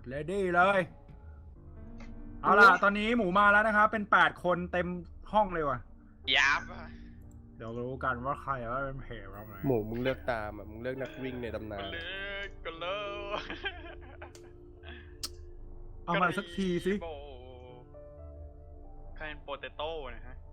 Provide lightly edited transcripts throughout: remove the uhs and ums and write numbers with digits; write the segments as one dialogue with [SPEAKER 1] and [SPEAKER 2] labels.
[SPEAKER 1] ดเลดี้เลยเอาล่ะตอนนี้หมูมาแล้วนะครับเป็น8 คนเต็มห้องเลยว่ะ
[SPEAKER 2] ยับ
[SPEAKER 1] เดี๋ยวรู้กันว่าใครว่าเป็นเพจเราไหน
[SPEAKER 3] หมูมึงเลือกตามอ่ะมึงเลือกนักวิ่งในตำนาน
[SPEAKER 2] เลิกก็เลิ
[SPEAKER 1] เอามาสักทีสิ
[SPEAKER 2] ใครเป็นโปเตโต้นะฮะ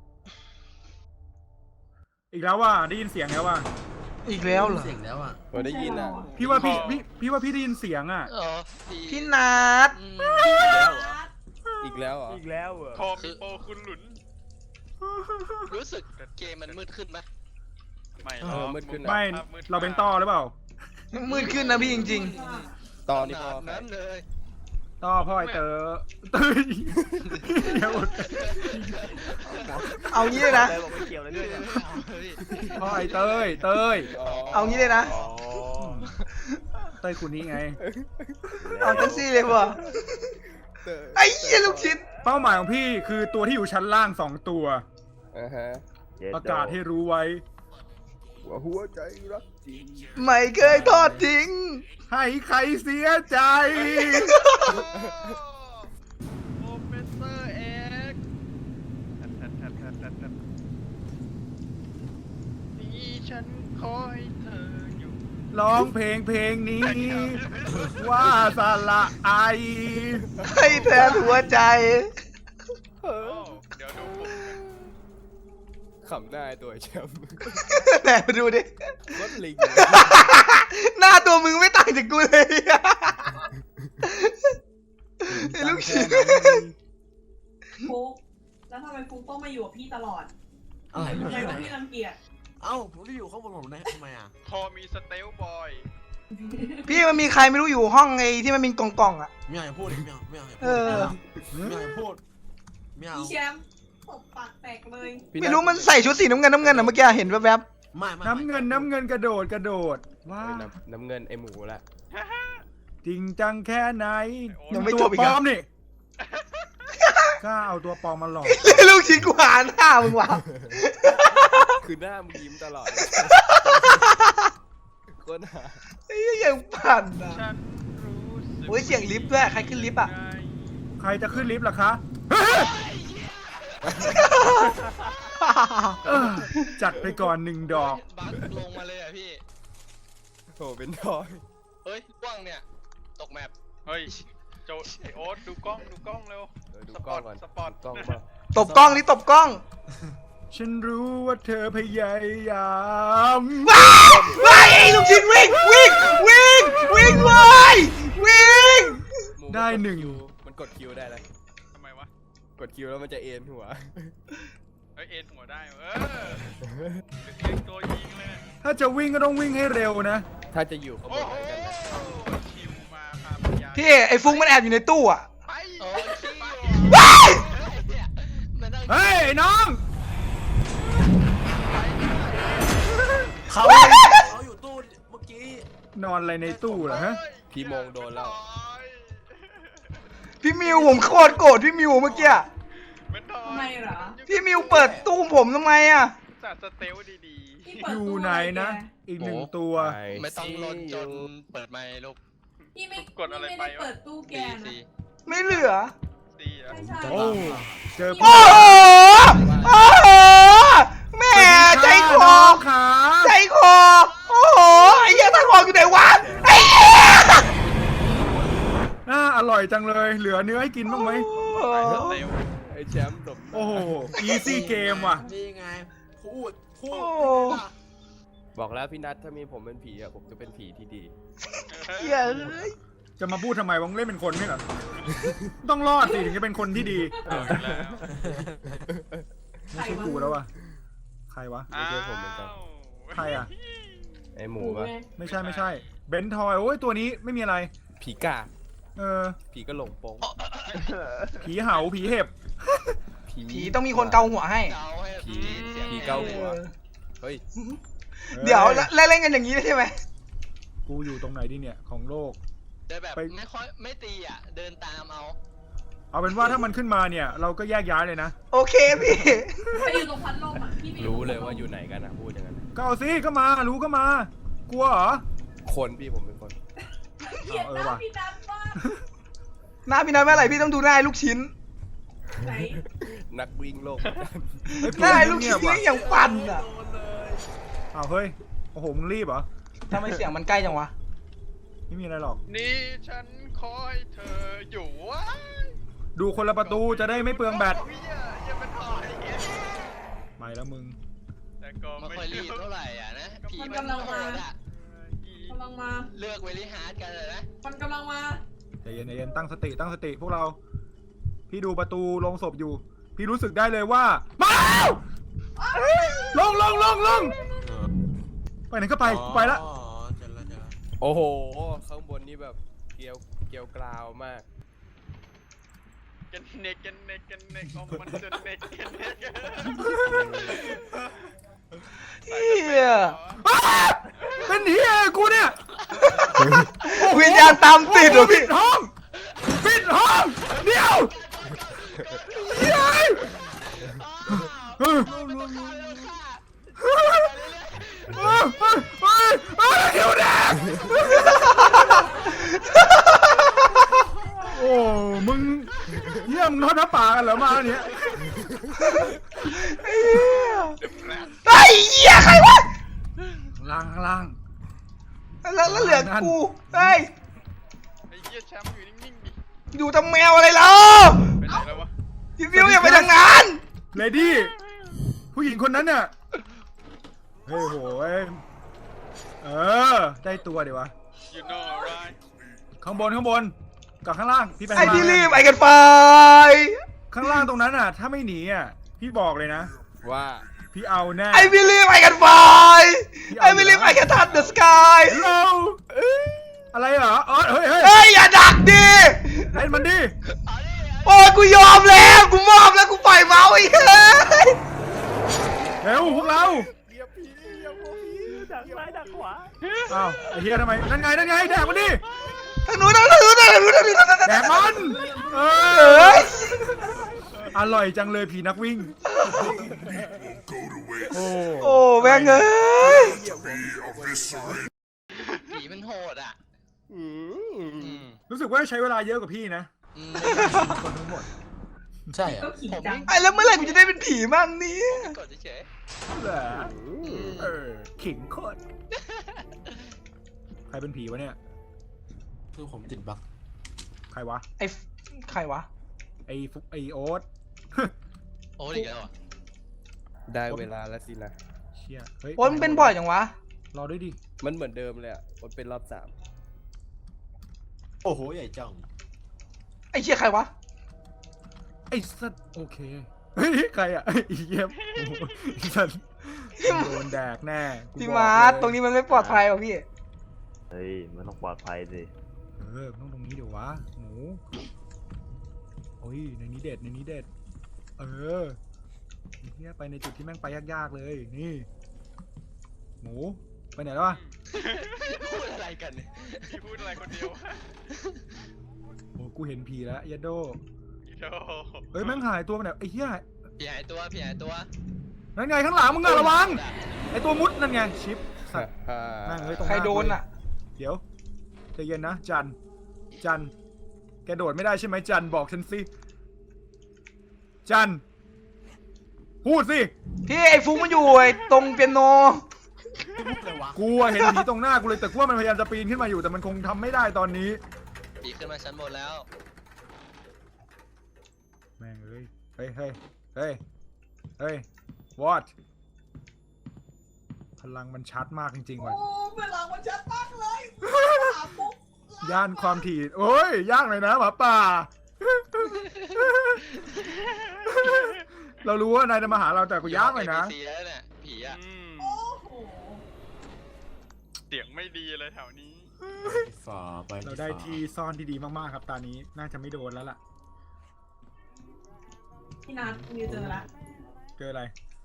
[SPEAKER 1] อีกแล้วว่ะได้ยินเสียงแล้วว่ะ
[SPEAKER 4] อีกแล้วเหรอ
[SPEAKER 5] เสียงแล้วอ่ะ
[SPEAKER 3] เราได้ยินอ่ะ
[SPEAKER 1] พี่ว่าพี่ได้ยินเสียงอ่ะ
[SPEAKER 4] พี่นัท
[SPEAKER 3] อีกแล้วเหรอ
[SPEAKER 6] อีกแล้วเหรอ
[SPEAKER 2] พอมีโปคุณหลุน
[SPEAKER 5] รู้สึกเกมมันมืดขึ้นไหม
[SPEAKER 2] ไม่
[SPEAKER 3] เออมืดขึ้น
[SPEAKER 1] ไม่
[SPEAKER 3] อ่ะ
[SPEAKER 1] เราเป็นต้อหรือเปล่า
[SPEAKER 4] มืดขึ้นนะพี่จริง
[SPEAKER 3] ตอนนี้พอ
[SPEAKER 5] นั้นเลย
[SPEAKER 1] ต้อพ่อไอเต๋อตื่นเดี๋ยว
[SPEAKER 4] ๆ เอางี้เลยนะ
[SPEAKER 6] เลยบอกไม่เกี่ยวเลยด้วยเนี่ย
[SPEAKER 1] พ่อไอเต้ย
[SPEAKER 4] เอางี้เลยนะ
[SPEAKER 6] อ๋อ
[SPEAKER 1] เต้ยคุณนี้ไง
[SPEAKER 4] เอาแท็กซี่เลยว่ะไอ้เหี้ยลูกชิ้น
[SPEAKER 1] เป้าหมายของพี่คือตัวที่อยู่ชั้นล่าง2 ตัว
[SPEAKER 3] อ่าฮะ
[SPEAKER 1] ประกาศให้รู้ไว้
[SPEAKER 3] หัวใจรักจริง
[SPEAKER 4] ไม่เคยทอดทิ้ง
[SPEAKER 1] ให้ใครเสียใจ
[SPEAKER 2] โอเปเตอร์เอ็กนี่ฉันขอให้เธออยู่
[SPEAKER 1] ร้องเพลงนี้ ว่าสละไอ
[SPEAKER 4] ให้แทนหัวใจ
[SPEAKER 2] โอ้เดี๋ยวดูผมกัน
[SPEAKER 3] ขำได้ตัวแชมป์
[SPEAKER 4] ไหนมาดูดิ
[SPEAKER 3] รถลิง
[SPEAKER 4] หน้าตัวมึงไม่ต่างจากกูเลยไอ้ลูกชิ้น
[SPEAKER 7] ฟุกแล้วทำไมฟุกต้องมาอยู่กับพี่ตลอด
[SPEAKER 5] อะไร
[SPEAKER 7] ทำไม
[SPEAKER 5] ไหน
[SPEAKER 7] พี่รังเกียจ
[SPEAKER 5] เอ้าผมได้อยู่ข้างบนผมนะทำไมอ่ะ
[SPEAKER 2] พอมีสเตลบอย
[SPEAKER 4] พี่มันมีใครไม่รู้อยู่ห้องไอ้ที่มันมีกล่องๆอ่ะ
[SPEAKER 5] ไม่อยากจะพูดอีกไม่เอาไม่อยากจะ
[SPEAKER 4] เอ
[SPEAKER 5] พูด
[SPEAKER 4] อ
[SPEAKER 5] ไม่อยากจะพูดไม่เอา
[SPEAKER 7] พี่แชมป์ตบปากแตกเลย
[SPEAKER 4] ไม่รู้มันใส่ชุดสีน้ำเงินอ่ะเมื่อกี้เห็นแวบ
[SPEAKER 5] ไม่ไม่
[SPEAKER 1] น้ำเงินกระโดดว้า
[SPEAKER 3] น้ำเงินไอหมูละ
[SPEAKER 1] จริงจังแค่ไหน
[SPEAKER 4] ๆยังไม่จ
[SPEAKER 1] ตัว
[SPEAKER 4] บอีก
[SPEAKER 1] ปล
[SPEAKER 4] อ่ะ
[SPEAKER 1] อมนี่กล้าเอาตัวปลอมมาหลอก
[SPEAKER 4] ลูกชิ้นกูหาหน้ามึงว่ะ
[SPEAKER 3] คือหน้ามึงยิ้มตลอดก็หา
[SPEAKER 4] ไอ้เหี้ยยังปั่นอ่ะ
[SPEAKER 2] ฉันรู้สึก
[SPEAKER 4] โอ้ยเสียงลิฟต์ด้วยใครขึ้นลิฟต์อ่ะ
[SPEAKER 1] ใครจะขึ้นลิฟต์ล่ะคะ เออจัดไปก่อน1 ดอก
[SPEAKER 5] บักลงมาเลยอ่ะพี่
[SPEAKER 3] โถเป็นทอย
[SPEAKER 5] เฮ้ยว่างเนี่ยตกแมป
[SPEAKER 2] เฮ้ยโจไอโอ๊ตดูกล้องเร็ว
[SPEAKER 3] ดูกล้องก่อน
[SPEAKER 2] สปอร์ต
[SPEAKER 3] กล้องป่ะ
[SPEAKER 4] ตบกล้องนี่ตบกล้อง
[SPEAKER 1] ฉันรู้ว่าเธอพยายาม
[SPEAKER 4] ว้ายไอ้ลูกชิ้นวิ่งเว้ยวิ่ง
[SPEAKER 3] หมู
[SPEAKER 1] ได้หนึ่ง
[SPEAKER 3] มันกดคิวได้เลย
[SPEAKER 2] ทำไมวะ
[SPEAKER 3] กดคิวแล้วมันจะเอ็นหัว
[SPEAKER 2] เอ้ยเอ็นหัวได้เอ็นตัวยิงเลย
[SPEAKER 1] ถ้าจะวิ่งก็ต้องวิ่งให้เร็วนะ
[SPEAKER 3] ถ้าจะอยู่ข้างบ
[SPEAKER 2] โอ้
[SPEAKER 3] น
[SPEAKER 2] โห
[SPEAKER 3] เหมือนกันนะ
[SPEAKER 2] คิวมาพาพยา
[SPEAKER 4] พี่ไอ้ฟุ้งมันแอบอยู่ในตู้อ่ะ
[SPEAKER 2] ไป
[SPEAKER 5] โอ้ยขี้
[SPEAKER 4] ว้าย
[SPEAKER 5] มันนั่ง
[SPEAKER 1] เฮ้ยไอ้น้อง
[SPEAKER 5] เขาอยู่ตู้เมื่อกี้
[SPEAKER 1] นอนอะไรในตู้เหรอฮะ
[SPEAKER 3] พี่โมงโดนแล้ว
[SPEAKER 4] พี่มิวผมโคตรโกรธพี่มิวเมื่อกี้
[SPEAKER 2] เป็นทอ
[SPEAKER 7] ทำไม
[SPEAKER 2] ย
[SPEAKER 7] เหรอ
[SPEAKER 4] พี่มิวเปิดตู้ผมทำไมอ่ะ
[SPEAKER 2] จัดสเตลดี
[SPEAKER 7] พี่
[SPEAKER 1] อ
[SPEAKER 7] เปิด
[SPEAKER 1] ยู่
[SPEAKER 7] ตู้
[SPEAKER 1] ไหน
[SPEAKER 7] อะไร
[SPEAKER 1] นะ
[SPEAKER 7] แก
[SPEAKER 1] อีก1 ตัว
[SPEAKER 5] ไม่ต้องรนจนเปิดไมค์ลูก
[SPEAKER 7] พี่ไม่ได้เปิดตู้แก
[SPEAKER 5] ดี
[SPEAKER 7] นะ
[SPEAKER 5] สิ
[SPEAKER 4] ไม่เหลือ
[SPEAKER 2] ๆดีอ่ะ
[SPEAKER 7] ไม่ใช่
[SPEAKER 1] โอ้เจอ
[SPEAKER 4] โอ้โหโอ้โหแม่ใจคอ
[SPEAKER 1] ขา
[SPEAKER 4] ใจคอโอ้โหไอ้เหี้ยใจคออยู่ไหนวะไอ้เหี้ย
[SPEAKER 1] น่าอร่อยจังเลย เหลือเนื้อให้กินบ้างไหม
[SPEAKER 2] สเตล
[SPEAKER 3] ไอแชมป์หลบ
[SPEAKER 1] โอ้โห อีซี่เกมว่ะ
[SPEAKER 5] นี่ไงพูด
[SPEAKER 3] บอกแล้วพี่นัทถ้ามีผมเป็นผีอ่ะผมจะเป็นผีที่ดี
[SPEAKER 4] เหี้ยเอ้ย
[SPEAKER 1] จะมาพูดทำไมวังเล่นเป็นคนไม่เหรอ ต้องรอดสิถึงจะเป็นคนที่ดี
[SPEAKER 2] เอาอีกแล้ว
[SPEAKER 1] ไม่ใช่กูแล้ววะใครวะ
[SPEAKER 3] ไม่ใช่ผมเหมือนกัน
[SPEAKER 1] ใครอ่ะ
[SPEAKER 3] ไอหมูป่ะ
[SPEAKER 1] ไม่ใช่เบนทอยโอ้ยตัวนี้ไม่มีอะไร
[SPEAKER 3] ผีกา
[SPEAKER 1] เออ
[SPEAKER 3] ผีก็หลงโปง
[SPEAKER 1] ผีเห่าผีเห็บ
[SPEAKER 4] ผีต้องมีคนเกาหัวให้
[SPEAKER 5] เกาให้
[SPEAKER 3] ผีเกาหัวเฮ้ย
[SPEAKER 4] เดี๋ยวแล้วเล่นกันอย่างนี้ได้ใช่ไหม
[SPEAKER 1] กูอยู่ตรงไหนดีเนี่ยของโลก
[SPEAKER 5] เดินแบบไม่ค่อยไม่ตีอ่ะเดินตามเอา
[SPEAKER 1] เอาเป็นว่าถ้ามันขึ้นมาเนี่ย เราก็แยกย้ายเลยนะ
[SPEAKER 4] โอเคพี่
[SPEAKER 7] ไปอยู่ตรงพัดลมอ่ะพี่ไปอ
[SPEAKER 3] รู้เลยว่าอยู่ไหนกันนะพูดอย่างนั้น
[SPEAKER 1] ก็เอาสิก็มารู้ก็มา กลัวเหรอ
[SPEAKER 3] คนพี่ผมเป็นคน
[SPEAKER 7] เกลียดหน้าพี่นัทมาก
[SPEAKER 4] หน้าพี่นัทเมื่อไหร่พี่ต้องดูหน้าไอ้ลูกชิ้น
[SPEAKER 7] ไหน
[SPEAKER 3] นักวิ่งโลก
[SPEAKER 1] เฮ้ย
[SPEAKER 4] หน้าไอ้ลูก
[SPEAKER 1] เงี
[SPEAKER 4] ชิ้
[SPEAKER 1] ย
[SPEAKER 4] น
[SPEAKER 1] บๆว่ะ
[SPEAKER 4] นี่ยังปั่นอ่ะ
[SPEAKER 1] อ้าวเฮ้ยโอ้โหมึงรีบเหรอ
[SPEAKER 4] ทำไมเสียงมันใกล้จังวะ
[SPEAKER 1] ไม่มีอะไรหรอก
[SPEAKER 2] นี่ฉันคอยเธออยู่วะ
[SPEAKER 1] ดูคนละประตูจะได้ไม่เปลืองแบต
[SPEAKER 2] อย่าไปถอยอย่างเงี้ย
[SPEAKER 1] ไม่แล้วมึง
[SPEAKER 2] แต่ก็
[SPEAKER 6] ไม่ค่อยรีบเท่าไหร่อ่ะนะผี
[SPEAKER 7] มัน
[SPEAKER 6] มัน
[SPEAKER 7] กำลัง
[SPEAKER 6] โห
[SPEAKER 7] มา
[SPEAKER 6] ดอ่ะ
[SPEAKER 7] กำลังมา
[SPEAKER 6] เลือกเวลี่ฮาร์ดกันเลยนะ
[SPEAKER 7] มันกำลังมา
[SPEAKER 1] ใจเย็นใจเย็นตั้งสติตั้งสติพวกเรา พี่ดูประตูลงศพอยู่ พี่รู้สึกได้เลยว่ามาแล้วลงไปไหนก็ไปกูไปละ
[SPEAKER 5] อ๋อเจอแล้ว
[SPEAKER 3] โอ้โห ข้างบนนี่แบบเกลียวกราวมาก
[SPEAKER 2] กันเน็กเอามันจะเน็กกันเน็ก
[SPEAKER 4] เฮีย
[SPEAKER 1] เป็นเฮียกูเนี่ย
[SPEAKER 4] วิญญาณตามติดเหรอ
[SPEAKER 1] ปิ
[SPEAKER 4] พี่
[SPEAKER 1] ดห้องปิดห้องเดี๋ยวเฮียเดี๋ยวแดงโอ้มึงเยี่ยมงทอดน้ำปลากันเหรอมาเนี่ย
[SPEAKER 4] ไอ้เหี้ยใครวะ
[SPEAKER 1] ล่างข้างล่าง
[SPEAKER 4] แล้วเหลือกูเฮ้ย
[SPEAKER 2] ไอ้เหี้ยแชมป์อยู่นิ่งๆดิ
[SPEAKER 4] อยู่ทำแมวอะไรแล้ว
[SPEAKER 2] ไปไหนแล้ววะ
[SPEAKER 4] พี่ฟิวอย่าไปทางนั้น
[SPEAKER 1] เลดี้ผู้หญิงคนนั้นเนี่ยเฮ้ยโหยได้ตัวดิวะ
[SPEAKER 2] you know right
[SPEAKER 1] ข้างบนกับข้างล่างพี่ไป
[SPEAKER 4] ไอ้
[SPEAKER 1] ข้าง
[SPEAKER 4] พี่
[SPEAKER 1] ล่าง
[SPEAKER 4] รีบไอ้กันไป
[SPEAKER 1] ข้างล่างตรงนั้นอ่ะ ถ้าไม่หนีอ่ะพี่บอกเลยนะ
[SPEAKER 3] ว่า
[SPEAKER 1] พี่เอาแน่
[SPEAKER 4] ไอ้พี่รีบไอ้กันไปไอ้พี่รีบไอ้กันทัดเดอะสกาย
[SPEAKER 1] เราอะไรเหรอเฮ้ย
[SPEAKER 4] เฮ้ยอย่าดักดิ
[SPEAKER 1] เล่นมันดิ
[SPEAKER 4] โอ้ยกูยอมแล้วกูมอบแล้วกูปล่อยเมาส์อีกเฮ้ย
[SPEAKER 1] เร็วพวกเราอ้าวไอ้เหี้ยทำไมนั่นไงแดกมันดิ
[SPEAKER 4] ทางนู้น
[SPEAKER 1] แดกมัน
[SPEAKER 4] เอ้ย
[SPEAKER 1] อร่อยจังเลยผีนักวิ่งโอ้
[SPEAKER 4] โอ้แม่งเอ้ย
[SPEAKER 6] ผีมันโหดอ่ะ
[SPEAKER 1] รู้สึกว่าใช้เวลาเยอะกว่าพี่นะ
[SPEAKER 6] อืม
[SPEAKER 1] คนทั้งหมด
[SPEAKER 5] ใช่เหร
[SPEAKER 7] ก็
[SPEAKER 5] อ
[SPEAKER 7] ขิงจัง
[SPEAKER 4] ไอ้แล้วเมื่อไหร่กูจะได้เป็นผีมั่งเนี่ย
[SPEAKER 6] ไม่กดเฉย
[SPEAKER 1] เหรอขิงโคตรใครเป็นผีวะเนี่ย
[SPEAKER 5] คือผมติดบั๊ก
[SPEAKER 1] ใครวะ
[SPEAKER 4] ไอ้ใครวะ
[SPEAKER 1] ไอ้ฟุกไอ้โอ๊ต
[SPEAKER 6] ๆโอ้ยอีกแล้วเหรอ
[SPEAKER 3] ได้เวลาแล้วสินะ
[SPEAKER 1] เชี่ยเฮ้ย
[SPEAKER 4] โอ้ยมันเป็นบ่อยจังวะ
[SPEAKER 1] รอด้วยดิ
[SPEAKER 3] มันเหมือนเดิมเลยอ่ะ มันเป็นรอบ
[SPEAKER 5] โอ้โหใหญ่จัง
[SPEAKER 4] ไอ้เชี่ยใครวะ
[SPEAKER 1] ไอ้สัตว์โอเคเฮ้ยใครอ่ะไอ้เยี่ยมไอ้สัตว์โดนแดกแน่กู
[SPEAKER 4] พี่
[SPEAKER 1] บอก
[SPEAKER 4] มาร์ท
[SPEAKER 1] เลย
[SPEAKER 4] ตรงนี้มันไม่ปลอดภัยหรอพี่
[SPEAKER 8] เฮ้ย มันต้องปลอดภัยสิ
[SPEAKER 1] มันต้องตรงนี้เดี๋ยววะหนูโอ้ยในนี้เด็ดไอ้เหี้ยไปในจุดที่แม่งไปยากๆเลยนี่หมูไปไหนแล้ววะ
[SPEAKER 6] พูดอะไรกันเนี่ย
[SPEAKER 2] พี่พูดอะไรคนเดียว
[SPEAKER 1] โอ้กูเห็นผีแล้วยัดโด
[SPEAKER 2] อีโด
[SPEAKER 1] เฮ้ยแม่งหายตัวไปไหนไอ้เหี้ย
[SPEAKER 6] ผีหายตัว
[SPEAKER 1] นั่นไงข้างหลังมึงอะระวังไอ้ตัวมุดนั่นไงชิปสัตว์
[SPEAKER 3] 3
[SPEAKER 1] แม่งเฮ้ยตรงห
[SPEAKER 4] ใคร
[SPEAKER 1] น้า
[SPEAKER 4] โดน
[SPEAKER 1] กูเลย
[SPEAKER 4] อ่ะ
[SPEAKER 1] เดี๋ยวใจเย็นนะจันแกโดดไม่ได้ใช่ไหมจันบอกฉันสิจันพูดสิ
[SPEAKER 4] พี่ไอ้ฟุกมันอยู่ไอ้ตรงเปียโน
[SPEAKER 5] พูดเลยวะ
[SPEAKER 1] กูอะเห็นผีตรงหน้ากูเลยแต่กูว่ามันพยายามจะปีนขึ้นมาอยู่แต่มันคงทำไม่ได้ตอนนี้
[SPEAKER 6] ผีขึ้นมาชั้นบนแล้ว
[SPEAKER 1] แม่งเฮ้ย what พลังมันชัดมากจริงๆ
[SPEAKER 7] โอ้
[SPEAKER 1] ว่ะ
[SPEAKER 7] เวลามันชัดมากเลยหาปุ๊บ
[SPEAKER 1] ย่านความถี่โอ้ยยากเลยนะหมาป่า เรารู้ว่านายจะมาหาเราแต่กูยากเลยนะ
[SPEAKER 6] ผีแล้วเนี่ยผีอ่ะ
[SPEAKER 7] โอ้โห
[SPEAKER 2] เสียงไม่ดีเลยแถวนี้
[SPEAKER 5] ฝ่าไป
[SPEAKER 1] เราได้ที่ซ่อนที่ดีมากๆครับตอนนี้น่าจะไม่โดนแล้วล่ะ
[SPEAKER 7] พี่นัทมิวเจอละ
[SPEAKER 1] เจออะไร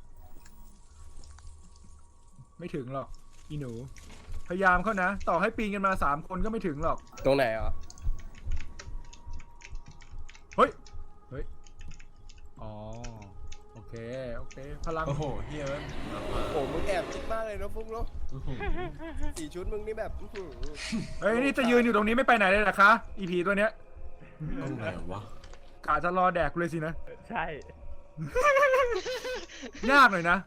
[SPEAKER 1] ไม่ถึงหรอกอีหนู พยายามเข้านะ ต่อให้ปีนกันมา3 คนก็ไม่ถึงหรอก
[SPEAKER 3] ตรงไหนอ่ะ
[SPEAKER 1] เฮ้ยอ๋อโอเคพลัง
[SPEAKER 5] โอ้โหเฮีย
[SPEAKER 3] โอ้มึงแอบคิดมากเลยนะฟุ้งเนาะ4 ชุดมึงนี่แบบ
[SPEAKER 1] เฮ้ยนี่จะยืนอยู่ตรงนี้ไม่ไปไหนเลยเหรอคะอีผีตัวเนี้ย
[SPEAKER 5] เอาไงวะ
[SPEAKER 1] กะจะรอแดกกูเลยสินะ
[SPEAKER 8] ใช่
[SPEAKER 1] ยากหน่อยนะ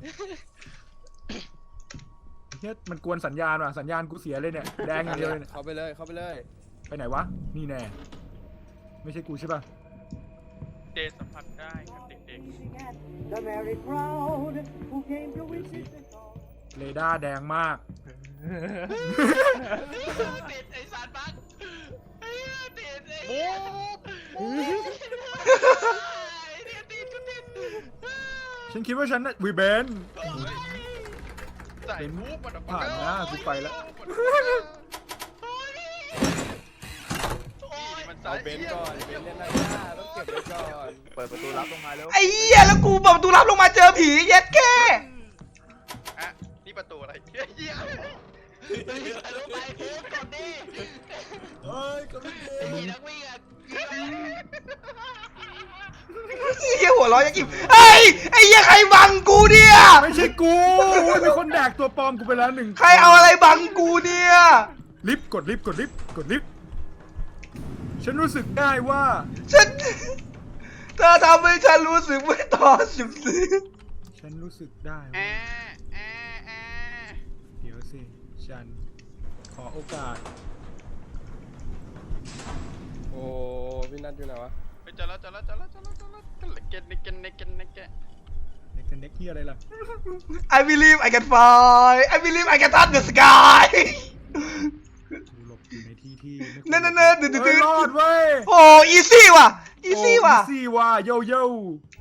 [SPEAKER 1] เฮ้ยมันกวนสัญญาณว่ะสัญญาณกูเสียเลยเนี่ยแดงอย่างเดียวเลยเนี่ย
[SPEAKER 3] เข้าไปเลยเข้าไปเลย
[SPEAKER 1] ไปไหนวะนี่แน่ไม่ใช่กูใช่ป่ะ
[SPEAKER 2] เดสัมผัสได้ครับเด็ก
[SPEAKER 1] เรดาร์แดงมาก
[SPEAKER 6] ติดไอ้สารบักไอ้ติดไอ้เนี่ยติดกูติด
[SPEAKER 1] ฉันคิดว่าฉันน่ะวีเบน
[SPEAKER 2] ๆใส่มูฟมันออกมา
[SPEAKER 1] ผ่านหน้ากูไปแล้ว
[SPEAKER 2] มัน
[SPEAKER 3] เอา
[SPEAKER 2] สาย
[SPEAKER 3] เบนก่อนเบนเล่นหน้าต้องเก็บไว้ก่อน
[SPEAKER 8] เปิดประตูลับลงมาเร็ว
[SPEAKER 4] ไอ้เหี้ยแล้วกูเปิดประตูลับลงมาเจอผีเย็ดแก่
[SPEAKER 2] อ่ะนี่ประตูอะไรเฮีย
[SPEAKER 6] รู้ไปพูดก่อนดิ
[SPEAKER 5] เฮ้ยก็ไม่ดี
[SPEAKER 6] ไอ้ผีนักวิ่งอ่ะ
[SPEAKER 4] เหี้ยหัวเร้อยยังอิ่มเฮ้ยไอ้เหี้ยใครบังกูเนี่ย
[SPEAKER 1] ไม่ใช่กูโอ้ยมีคนแดกตัวปลอมกูไปแล้วหนึ่ง
[SPEAKER 4] ใครเอาอะไรบังกูเนี่ย
[SPEAKER 1] ลิฟต์กดลิฟต์กดลิฟต์กดลิฟต์ฉันรู้สึกได้ว่า
[SPEAKER 4] ฉันเธอทำให้ฉันรู้สึกไม่ต่อสิบสิ
[SPEAKER 1] ฉันรู้สึกได้
[SPEAKER 2] แอ
[SPEAKER 1] ว่า
[SPEAKER 2] แอแอ
[SPEAKER 1] เดี๋ยวสิฉันขอโอกาส
[SPEAKER 3] โอ้พี่นัทอยู่ไหนวะ
[SPEAKER 2] ไปเจอแล้วเกนเกน
[SPEAKER 1] เน็กกันเน็กที่อะไรล่ะ
[SPEAKER 4] I believe I can fly I believe I can touch the sky
[SPEAKER 1] กูหลบอยู่ในที่ที่ไม่ควร
[SPEAKER 4] นั่น
[SPEAKER 1] หลบ
[SPEAKER 4] ๆๆ
[SPEAKER 1] เฮ้ยรอดเว้ย
[SPEAKER 4] โอ้อีซี่ว่ะอีซี่ว่ะ
[SPEAKER 1] อีซี่ว่ะโยโย่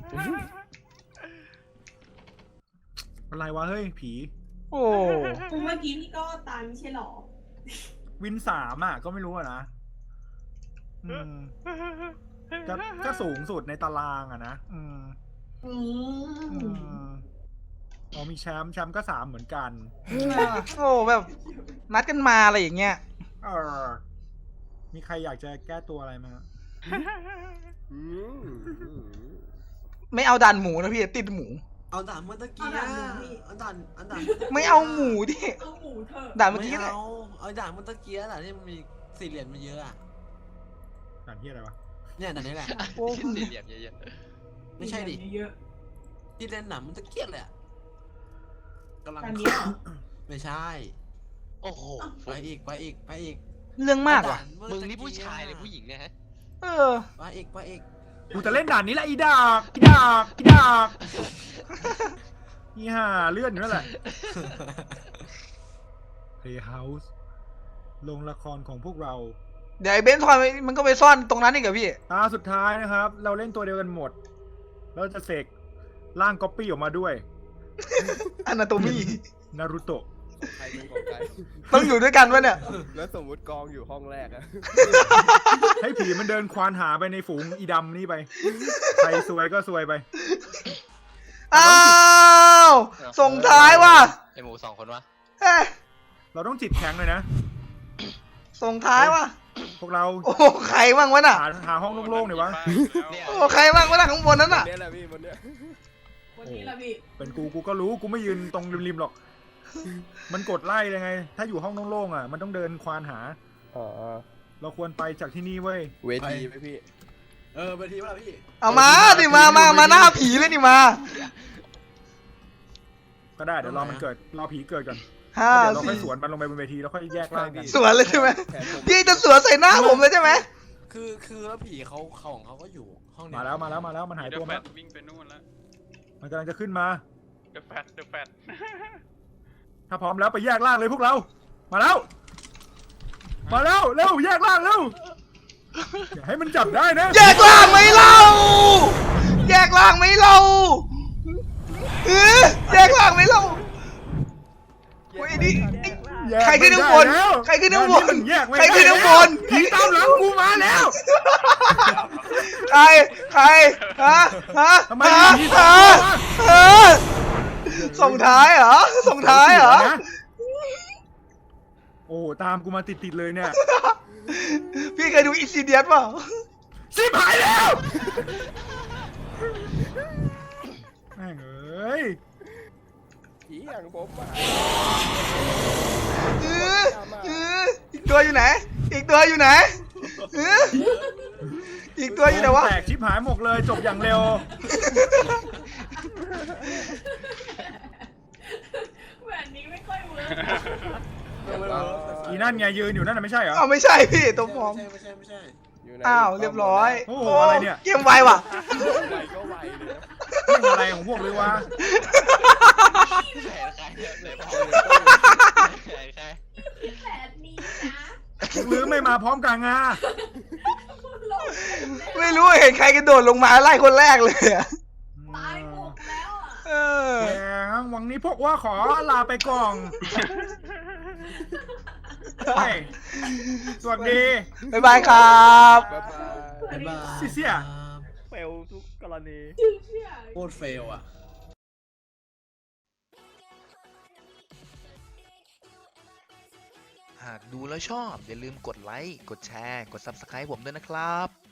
[SPEAKER 1] อะไรวะเฮ้ยผี
[SPEAKER 4] โอ้
[SPEAKER 7] กูเมื่อกี้พี่ก็ตายไม่ใช่หรอ
[SPEAKER 1] วินสามอ่ะก็ไม่รู้อะนะอืมก็สูงสุดในตารางอะนะอืม
[SPEAKER 7] อื
[SPEAKER 1] อื
[SPEAKER 7] ม
[SPEAKER 1] มอ๋อมีแชมป์ก็สามเหมือนกัน
[SPEAKER 4] โอ้แบบนัดกันมาอะไรอย่างเงี้ย
[SPEAKER 1] เออมีใครอยากจะแก้ตัวอะไรไหมฮะ
[SPEAKER 3] อืม
[SPEAKER 4] ไม่เอาดันหมูนะพี่ติดหมู
[SPEAKER 5] เอาด่านเมื่อตะกี้เอาด่าน
[SPEAKER 4] ไม่เอาหมูดิ
[SPEAKER 7] เอาหมูเถอะ
[SPEAKER 4] ด่านเมื่อกี้ก็ได้
[SPEAKER 5] เอาด่านเมื่อตะกี้ด่านที่มันมีสี่เหลี่ยมมันเยอะอ่ะ
[SPEAKER 1] ด่านที่อะไรวะ
[SPEAKER 5] เนี่ยด่านนี้แหละ
[SPEAKER 4] โอ้
[SPEAKER 6] สี่เหลี่ยมเยอะ
[SPEAKER 5] ไม่ใช่ดิ
[SPEAKER 7] เยอะ
[SPEAKER 5] ที่เล่นหนังมันตะเกียบเลยอะกำลัง
[SPEAKER 7] ๆการนี้เหรอ
[SPEAKER 5] ไม่ใช่
[SPEAKER 6] ๆโอ้โห
[SPEAKER 5] ไปอีกไปอีกไปอีก
[SPEAKER 4] เรื่องมากว่ะ
[SPEAKER 6] มึงนี่ผู้ชายหรือผู้หญิงเนี่ยฮะ
[SPEAKER 4] เออ
[SPEAKER 5] ไปอีกไปอีก
[SPEAKER 1] กูจะเล่นด่านนี้แหละอีดากอีดากอีดากนี่ห่าเลื่อนอยู่นั่นแหละ Playhouse โรงละครของพวกเรา
[SPEAKER 4] เดี๋ยวไอ้เบนซ์ทอยมันก็ไปซ่อนตรงนั้นอีกเหรอพี่
[SPEAKER 1] ตาสุดท้ายนะครับ เราเล่นตัวเดียวกันหมด เราจะเสกร่างก๊อปปี้ออกมาด้วย
[SPEAKER 4] อนาโตมี
[SPEAKER 1] นารูโตะ
[SPEAKER 3] ใครเป็นของใคร
[SPEAKER 4] ต้องอยู่ด้วยกันวะเนี่ย
[SPEAKER 3] แล้วสมมุติกองอยู่ห้องแรกอะ
[SPEAKER 1] ให้ผีมันเดินควานหาไปในฝูงอีดำนี่ไป ใครซวยก็ซวยไป
[SPEAKER 4] อ้าวส่งท้ายว่ะ
[SPEAKER 6] ไอหมูสองคนวะ
[SPEAKER 4] เอ้ย
[SPEAKER 1] เราต้องจิตแข็งเลยนะ
[SPEAKER 4] ส่งท้ายว่ะ
[SPEAKER 1] พวกเรา
[SPEAKER 4] โอ้ใครบ้างวะน่ะ
[SPEAKER 1] หาห้องโล่งๆหน่อยวะ
[SPEAKER 6] เนี่ย
[SPEAKER 4] โอ้ใครบ้างวะน่ะข้างบนนั้นน่ะ
[SPEAKER 3] เนี่ยแหละพี่บนเนี้ย
[SPEAKER 7] วันนี้แหละพี่
[SPEAKER 1] เป็นกูก็รู้ กูไม่ยืนตรงริมๆหรอก มันกดไล่เลยไง ถ้าอยู่ห้องโล่งๆอ่ะ มันต้องเดินควานหา
[SPEAKER 3] อ๋อ
[SPEAKER 1] เราควรไปจากที่นี่เว้ย
[SPEAKER 3] เวทีไหมพี่
[SPEAKER 5] ไปทีว่าพี่
[SPEAKER 4] เอามาดิมาหน้าผีเลยดิมา
[SPEAKER 1] ก็ได้ เดี๋ยวรอมันเกิด รอผีเกิดก่อน
[SPEAKER 4] ห้า
[SPEAKER 1] เดี๋ยวเราค่อย
[SPEAKER 4] สี่
[SPEAKER 1] สวนมันลงไปบนเวทีแล้วค่อยแยกร่างกัน
[SPEAKER 4] สวนเลยใช่ไหม
[SPEAKER 3] แผนผม
[SPEAKER 4] พี่จะสวนใส่หน้าผมเลยใช่ไหม
[SPEAKER 5] คือแล้วผีเขาของเขาก็อยู่ห้องเดีย
[SPEAKER 1] มาแล้วมันหาย
[SPEAKER 2] เด
[SPEAKER 1] ตัว
[SPEAKER 2] อะแฟ
[SPEAKER 1] มา
[SPEAKER 2] ตวิ่งไปนู่นแล้ว
[SPEAKER 1] มันกำลังจะขึ้นมา
[SPEAKER 2] เดอะแฟต
[SPEAKER 1] ถ้าพร้อมแล้วไปแยกร่างเลยพวกเรา มาแล้ว มาแล้วเร็วแยกร่างเร็วอย่าให้มันจับได้นะ
[SPEAKER 4] แยกล่างไหมเราแยกล่างไหมเราแยกล่างไหมเราโอ้ยนี่
[SPEAKER 1] แยก
[SPEAKER 4] ใครขึ้นข้างบน
[SPEAKER 1] ไม่ได้แล้ว
[SPEAKER 4] ใครขึ้นข้างบน
[SPEAKER 1] งมัแยกไม่
[SPEAKER 4] ใครขึ้นข้างบน
[SPEAKER 1] ได้ผีตามหลังกูมาแล้ว
[SPEAKER 4] ใครฮะ
[SPEAKER 1] ทำไม
[SPEAKER 4] ฮะ
[SPEAKER 1] ผีตาม
[SPEAKER 4] ฮะ
[SPEAKER 1] กูวะ
[SPEAKER 4] ส่งท้ายเหรอส่งท้ายเหรอ
[SPEAKER 1] โอ้โหตามกูมาติดๆเลยเนี่ย
[SPEAKER 4] พี่เคยดูอินซิเดียนเปล่า
[SPEAKER 1] ชิบหายแล้วแม่งเอ้ย
[SPEAKER 3] ผีอย่างผมอะ
[SPEAKER 4] อีกตัวอยู่ไหนอีกตัวอยู่ไหนอีกตัวอยู่ไหนวะ
[SPEAKER 1] แตกชิบหายหมกเลยจบอย่างเร็ว
[SPEAKER 7] แบบนี้ไม่ค่อยเวิร์ก
[SPEAKER 1] อีนั่นไงยืนอยู่นั่นน่ะไม่ใช่เหรอ
[SPEAKER 4] อ้าวไม่ใช่พี่ตัวปลอม
[SPEAKER 5] ไม่ใช่
[SPEAKER 3] อยู่ไหน
[SPEAKER 4] อ้าวเรียบร้อย
[SPEAKER 1] โอ้โหอะไรเนี่ย
[SPEAKER 4] เกมไวว่ะ
[SPEAKER 3] ไวก็ไวเลยนะ
[SPEAKER 1] เรื่องอะไรของพวกหรือวะ
[SPEAKER 6] แขนใครเลยพอแขนใคร
[SPEAKER 7] แผนนี้นะ
[SPEAKER 1] หรือไม่มาพร้อมกันงา
[SPEAKER 7] หลง
[SPEAKER 4] ไม่รู้เห็นใครกระโดดลงมาไล่คนแรกเลยอะ
[SPEAKER 7] ตายหมดแล้วอ่ะ
[SPEAKER 4] เออ
[SPEAKER 1] แกวังนี้พวกว่าขอลาไปก่อนไปสวัสดี
[SPEAKER 4] บ๊ายบายครับ
[SPEAKER 3] บ๊ายบาย
[SPEAKER 5] บ๊ายบาย
[SPEAKER 1] เสี่ย
[SPEAKER 8] เฟลทุกกรณี
[SPEAKER 7] ชื่อเชื่อ
[SPEAKER 5] โคตรเฟลอ่ะ
[SPEAKER 9] หากดูแล้วชอบอย่าลืมกดไลค์ กดแชร์ กด Subscribe ผมด้วยนะครับ